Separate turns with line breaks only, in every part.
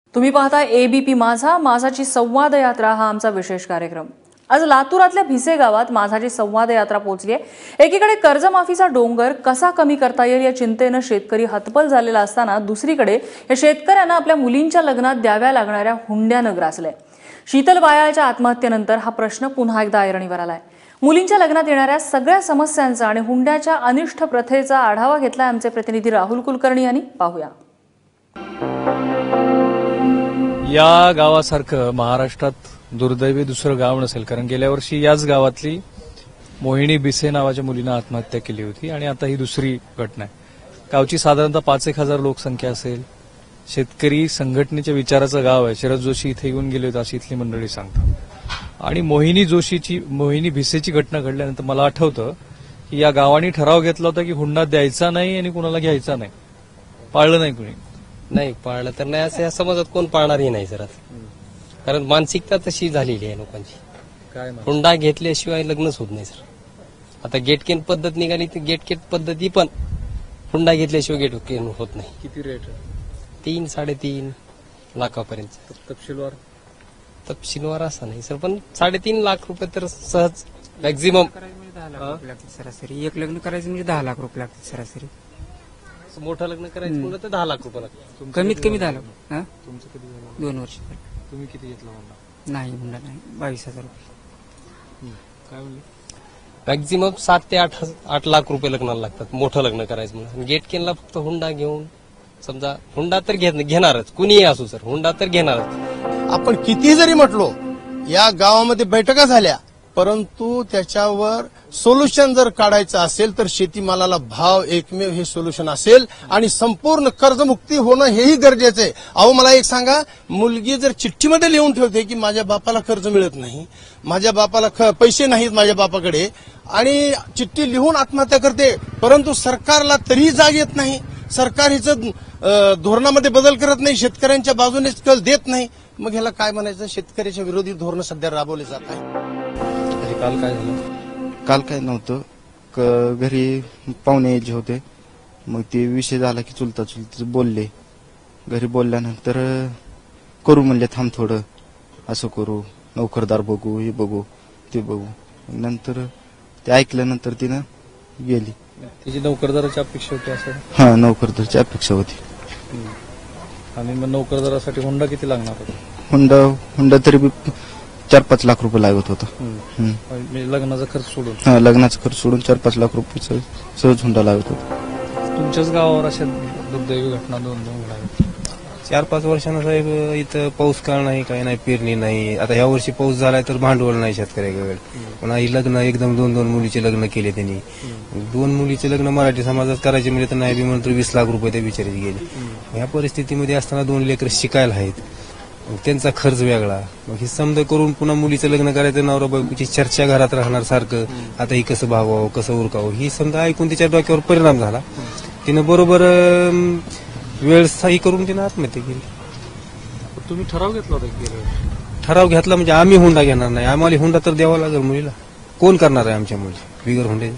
तुम्ही पाहता एबीपी माझा, माझाची संवाद यात्रा हा आमचा विशेष कार्यक्रम। आज लातूरातल्या भिसे गावात माझाची संवाद यात्रा पोहोचली आहे। एकीकडे कर्जमाफीचा डोंगर कसा कमी करता येईल या चिंतेने शेतकरी हतबल झालेला असताना दुसरीकडे या शेतकऱ्यांना आपल्या मुलींच्या लग्नात द्याव्या लागणाऱ्या हुंड्याने ग्रासले। शीतल वायाळच्या आत्महत्येनंतर हा प्रश्न पुन्हा एकदा ऐरणीवर आलाय। मुलींच्या लग्नात येणाऱ्या सगळ्या समस्यांचा आणि हुंड्याच्या अनिष्ट प्रथेचा आढावा घेतलाय आमचे प्रतिनिधी राहुल कुलकर्णी यांनी। पाहूया।
या गावासारखं महाराष्ट्रात दुर्दैवी दुसरं गाव नसेल, कारण गेल्या वर्षी याच गावातली मोहिनी बिसे नावाच्या मुलीनं आत्महत्या केली होती आणि आता ही दुसरी घटना आहे। गावची साधारणतः 5-1000 लोकसंख्या असेल। शेतकरी संघटनेच्या विचाराचं गाव आहे। शरद जोशी इथे येऊन गेले होते अशी इथली मंडळी सांगतात। आणि मोहिनी भिसेची घटना घडल्यानंतर मला आठवतं की या गावाने ठराव घेतला होता की हुंडा द्यायचा नाही आणि कुणाला घ्यायचा नाही। पाळलं नाही कुणी?
नाही पाळलं तर नाही असं या समाजात कोण पाळणारही नाही सर, कारण मानसिकता तशी झालेली आहे लोकांची।
काय
हुंडा घेतल्याशिवाय लग्नच होत नाही सर। आता गेटकेन पद्धत निघाली तर गेटकेन पद्धती पण हुंडा घेतल्याशिवाय गेटकेन होत नाही।
किती रेट?
3-3.5 लाखापर्यंत। तपशीलवार असं नाही सर, पण 3.5 लाख रुपये तर सहज मॅक्झिमम।
सरासरी एक लग्न करायचं म्हणजे 10 लाख रुपये लागतात सरासरी।
मोठं लग्न करायचं म्हणलं तर 10 लाख रुपये लागतात।
कमीत कमी 10 लाख।
तुमचं कधी झालं?
2 वर्ष।
तुम्ही किती घेतला हुंडा?
नाही हुंडा नाही, 22,000 रुपये।
काय म्हणले?
मॅक्झिमम 7 ते 8 लाख रुपये लग्नाला लागतात मोठं लग्न करायचं म्हणून। गेटकेनला फक्त हुंडा घेऊन समजा हुंडा तर घेणारच, कुणीही असू सर, हुंडा तर घेणारच।
आपण किती जरी म्हटलो, या गावामध्ये बैठका झाल्या, परंतु त्याच्यावर सोल्युशन जर काढायचं असेल तर शेतीमालाला भाव एकमेव हे सोल्युशन असेल आणि संपूर्ण कर्जमुक्ती होणं हेही गरजेचं आहे। अहो मला एक सांगा, मुलगी जर चिठ्ठीमध्ये लिहून ठेवते की माझ्या बापाला कर्ज मिळत नाही, माझ्या बापाला पैसे नाहीत माझ्या बापाकडे, आणि चिठ्ठी लिहून आत्महत्या करते, परंतु सरकारला तरीही जाग येत नाही। सरकार हिचं धोरणामध्ये बदल करत नाही, शेतकऱ्यांच्या बाजूने कल देत नाही। मग ह्याला काय म्हणायचं? शेतकऱ्याच्या विरोधी धोरण सध्या राबवले जात आहे।
काल काय झालं?
काल काय नव्हतं, घरी पाहुणे यायचे होते, मग ते विषय झाला की चुलता बोलले। घरी बोलल्यानंतर करू म्हणले, थांब थोडं, असं करू, नोकरदार बघू, हे बघू ते बघू। नंतर ते ऐकल्यानंतर तिनं गेली।
तिची नोकरदाराची अपेक्षा होती असं?
हा, नोकरदाराची अपेक्षा होती।
आणि मग नोकरदारासाठी हुंडा किती लागणार होता?
हुंडा तरी 4-5 लाख रुपये लागत होता।
लग्नाचा खर्च सोडून?
हा, लग्नाचा खर्च सोडून 4-5 लाख रुपये सहज हुंडा लागत होता।
तुमच्याच गावावर अशा दुर्दैवी घटना 2 घडल्या?
4-5 वर्षांना साहेब इथं पाऊस काळ नाही, काही नाही, पेरणी नाही। आता ह्या वर्षी पाऊस झालाय तर भांडवल नाही शेतकऱ्याकडे। पण ही लग्न एकदम 2-2 मुलीचे लग्न केले त्यांनी। 2 मुलीचे लग्न मराठी समाजात करायचे म्हणजे तर नाही बी म्हणतो 20 लाख रुपये त्या बिचारीचे गेले। ह्या परिस्थितीमध्ये असताना 2 लेकर शिकायला आहेत, त्यांचा खर्च वेगळा। मग हे समजा करून पुन्हा मुलीचं लग्न करायचं, नवरा बायकोची चर्चा घरात राहणार सारखं, आता ही कसं भागवावं, कसं उरकावं, ही समजा ऐकून तिच्या डोक्यावर परिणाम झाला। तिनं बरोबर वेळ स्थायी करून तिनं आत्महत्या केली।
तुम्ही ठराव घेतला होता?
ठराव घेतला म्हणजे आम्ही हुंडा घेणार नाही, आम्हाला हुंडा तर द्यावा लागेल मुलीला। कोण करणार आहे आमच्या मुली बिगर हुंडे?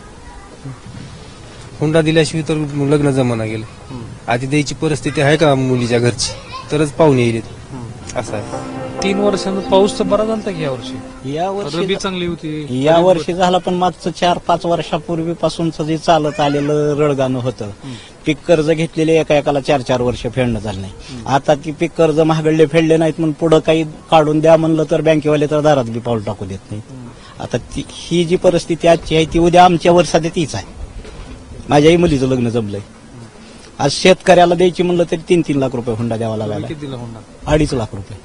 हुंडा दिल्याशिवाय तर लग्न जमाना गेलं। आधी द्यायची परिस्थिती आहे का मुलीच्या घरची, तरच पाहुणे येईल असं आहे।
3 वर्षांचा पाऊस तर बरा झाला की यावर्षी? रब्बी चांगली होती
या वर्षी झाला, पण मागचं 4-5 वर्षापूर्वीपासूनच जे चालत आलेलं रडगाणं होतं। पीक कर्ज घेतलेले एकाला 4-4 वर्ष फेडणं झालं नाही। आता ती पीक कर्ज महागडले फेडले नाहीत म्हणून पुढे काही काढून द्या म्हणलं तर बँकेवाले तर दारात बी पाऊल टाकू देत नाहीत। आता ही जी परिस्थिती आजची आहे ती उद्या आमच्यावर सध्या तीच आहे। माझ्याही मुलीचं लग्न जमलंय। आज शेतकऱ्याला द्यायची म्हणलं तरी 3-3 लाख रुपये हुंडा द्यावा लागला। 2.5 लाख रुपये,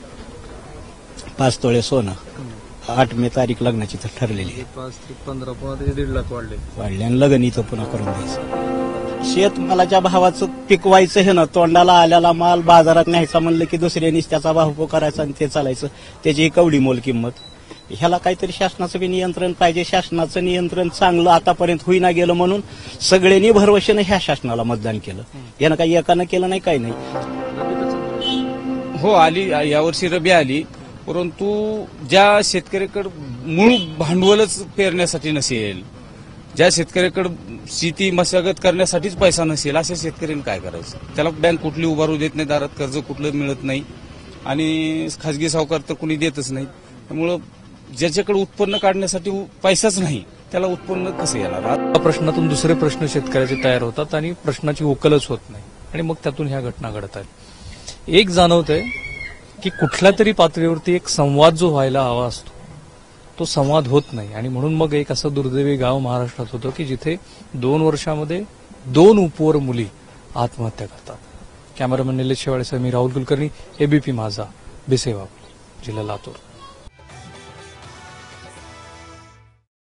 5 तोळे सोनं, 8 मे तारीख लग्नाची तर ठरलेली आहे।
15 पुन्हा 1.5 लाख वाढले
आणि लग्न इथं पुन्हा करून द्यायचं। शेतमालाच्या भावाचं पिकवायचं हे ना, तोंडाला आल्याला माल बाजारात न्यायचा म्हणलं की दुसऱ्यानीच त्याचा भाव करायचा आणि ते चालायचं, त्याची कवडी मोल किंमत। ह्याला काहीतरी शासनाचं बी नियंत्रण पाहिजे। शासनाचं नियंत्रण चांगलं आतापर्यंत होईना गेलं म्हणून सगळ्यांनी भरवशानं ह्या शासनाला मतदान केलं। यानं काही एकानं केलं नाही, काही नाही।
हो, आली यावर्षी रबी आली, परंतु ज्या शेतकऱ्याकडे मूळ भांडवलच पेरण्यासाठी नसेल ज्या शेतकऱ्याकडे शेती मशागत करण्यासाठीच पैसा नसेल अशा शेतकऱ्यांनी काय करायचं? त्याला बँक कुठली उभारू देत नाही, दारात कर्ज कुठलं मिळत नाही आणि खाजगी सावकार तर कुणी देतच नाही. त्यामुळं ज्याच्याकडे उत्पन्न काढण्यासाठी पैसाच नाही त्याला उत्पन्न कसं येणार?
या प्रश्नातून दुसरे प्रश्न शेतकऱ्याचे तयार होतात आणि प्रश्नाची उकलच होत नाही आणि मग त्यातून ह्या घटना घडत आहेत. एक जाणवतंय की कुठल्या तरी पातळीवरती एक संवाद जो व्हायला हवा असतो तो संवाद होत नाही आणि म्हणून मग एक असं दुर्दैवी गाव महाराष्ट्रात होतं की जिथे 2 वर्षामध्ये 2 उपवर मुली आत्महत्या करतात. कॅमेरामॅन निलेश शेवाळेसह मी राहुल कुलकर्णी, एबीपी माझा, भिसेगाव, जिल्हा लातूर.